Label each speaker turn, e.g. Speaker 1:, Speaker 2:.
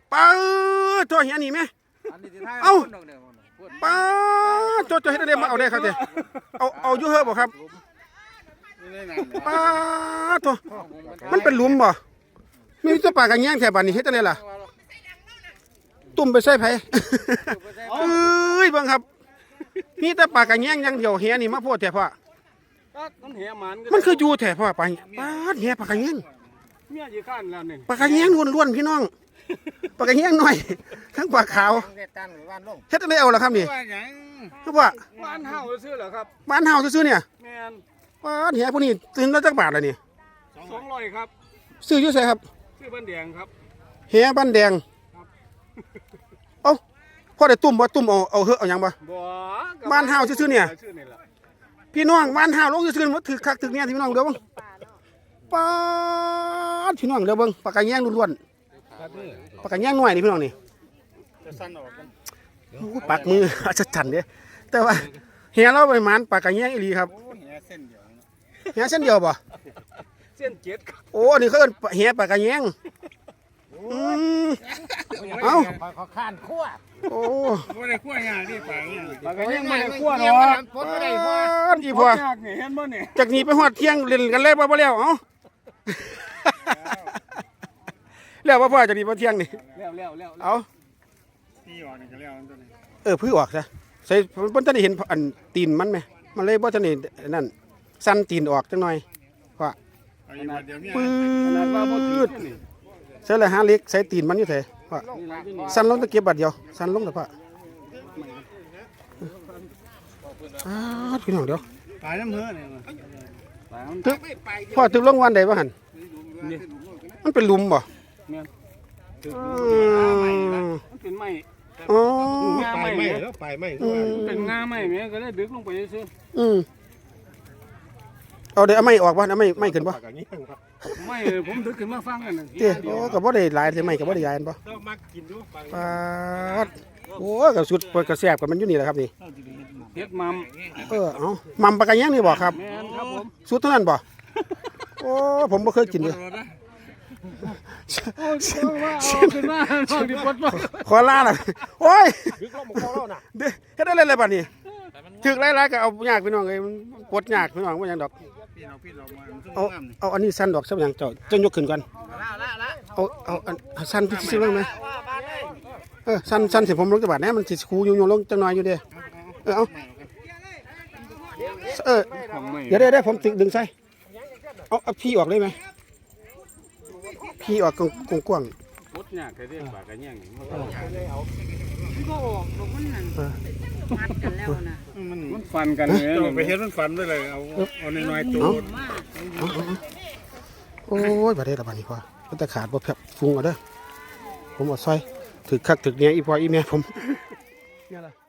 Speaker 1: ป้าตัวเฮียนี่ไหมเอาป้าตัวเฮ็ดได้มาเอาได้ครับเด้เอาอยู่เฮ้อบ่ครับป้าตัวมันเป็นหลุมบ่มีตัวปลากระแยงแถวบ้านนี้เฮ็ดได้ล่ะตุ่มไปใส่ไผเอ้ยเบิ่งครับมีแต่ปลากระแยงอย่างเดียวเฮียนี่มาโพดแท้พ่อมันคืออยู่แท้พ่อไปป้าเฮียปลากระแยง
Speaker 2: เมียอยู่ข้างแล้วนี่
Speaker 1: ปลากระแยงล้วนๆพี่น้องปลากระแยงหน่อยทั้งปลาขาวเฮ็ดได้เอาล่ะครับนี่คือว่า
Speaker 2: บ้านเฮาซื้อเหรอครับ
Speaker 1: บ้านเฮาซื่อๆเนี่ย
Speaker 2: แม่น
Speaker 1: ป้าเฮียผู้นี้ตื่นแล้วจักบาทล่ะนี่
Speaker 2: 200ครับ
Speaker 1: ซื้ออยู่ไสครับ
Speaker 2: ซื้อบ้านแดงครับ
Speaker 1: เฮียบ้านแดงเอ้าพ่อได้ตุ่มบ่ตุ่มเอาเฮอะเอาหยังบ่บ้านเฮาซื่อๆเนี่ยพี่น้องบ้านเฮาลงซื่อๆมันถึกคักถึกเนี่ยพี่น้องเด้อเบิ่งป้าพี่น้องเด้อเบิ่งปลากระแยงล้วนๆปลากระแยงน้อยนี่พี่น้องนี่ปากมืออาจารย์เด้แต่ว่าเฮียเราไปหมานปลากระแยงอีหลีครับเฮียเส้นเดียวบ่
Speaker 2: เส้น7ครับ
Speaker 1: โอ้นี่เขาเอิ้นเฮียปลากระแยงเอ้า
Speaker 3: เขาข้านคั่ว
Speaker 1: โอ้
Speaker 2: บ่ได้คั่วหยังนี่ปลาเนี่ยปลาก็ยังบ่ได้คั่วเนาะ
Speaker 3: ปนบ่ได้พ่อ
Speaker 1: อีพ่อ
Speaker 2: เห็นบ่นี่
Speaker 1: จากนี้ไปฮอดเที่ยงเล่นกันเลยบ่แล้วเอ้าแล้วพ่อจากนี้บ่เที่ยงนี่
Speaker 2: แล้ว
Speaker 1: เอา
Speaker 2: พี่ออกนี่ก็แล้วตัวนี้
Speaker 1: พื้อออกซะใส่บ่ทันได้เห็นอันตีนมันแม่มันเลยบ่ทันได้นั่นสั่นตีนออกจังหน่อยว่าปืดใส่ละหาเล็กใส่ตีนมันอยู่แท้ว่าสั่นลงตะเก็บบัดเดียวสั่นลงแต่พ่อพี่น้องเดี๋ยว
Speaker 2: ตายน้ำเหือนี่
Speaker 1: ตึกพ่อตึกลงวันใดบ่หั่นมันเป็นหลุมบ่
Speaker 2: เนี่ยมันเป็นไม้
Speaker 1: อ๋อ
Speaker 2: ไม้
Speaker 3: แล้วไปไม้
Speaker 2: เป็นงาไม้แม่ก็ได้ดึกลงไปซื่อ
Speaker 1: เอาเดี๋ยวเอาไม้ออกบ่เอาไม้ขึ้นบ่
Speaker 2: ไม่ผมดึกขึ้นมาฟังกัน
Speaker 1: เด้โอ้ก็บ่ได้หลายใช่ไหมก็บ่ได้ยายอันบ่
Speaker 3: มักกินอยู่
Speaker 1: ปาดโอ้ก็สุดก็แซ่บกับมันอยู่นี่แหละครับนี่
Speaker 2: เฮ็ดมัม
Speaker 1: เอามัมปลากระแยงนี่บ่ครับ
Speaker 2: แม่นครับผม
Speaker 1: สุดเท่านั้นบ่โอ้ผมบ่เคยกินเลยขอลาล่ะโอ้ยเฮ็ดได้เลยบัดนี้ถึกหลายๆก็เอายากพี่น้องเอ้ยปวดยากพี่น้องบ่หยังดอกเอาอันนี้สั้นดอกสักอย่างเจ้าจะยกขึ้นก่อนเอาสั้นที่ซื้อบ้างไหมสั้นสิผมลงจังหวัดนี้มันสิคูโยงลงจังหน่อยอยู่เด้เอาเดี๋ยวผมดึงใส่เอาพี่ออกได้ไหมพี่ออกกว้าง
Speaker 2: ๆมดยากแค่เรียกปากกันแย่งมันก็
Speaker 4: ออกลงมันนั่นมัดกันแล้วนะ
Speaker 2: มันฟันกันเลยไปเฮ็ดมันฟันด้วยเลยเอาน้อยๆตัว
Speaker 1: โอ้ยบาดเจ็บละบาดนี้พ่อมันจะขาดบ่แผลฟุ้งเอาเด้อผมเอาซอยถึกคักถึกเนี้ยอีพ่ออีแม่ผมเนี่ยล่ะ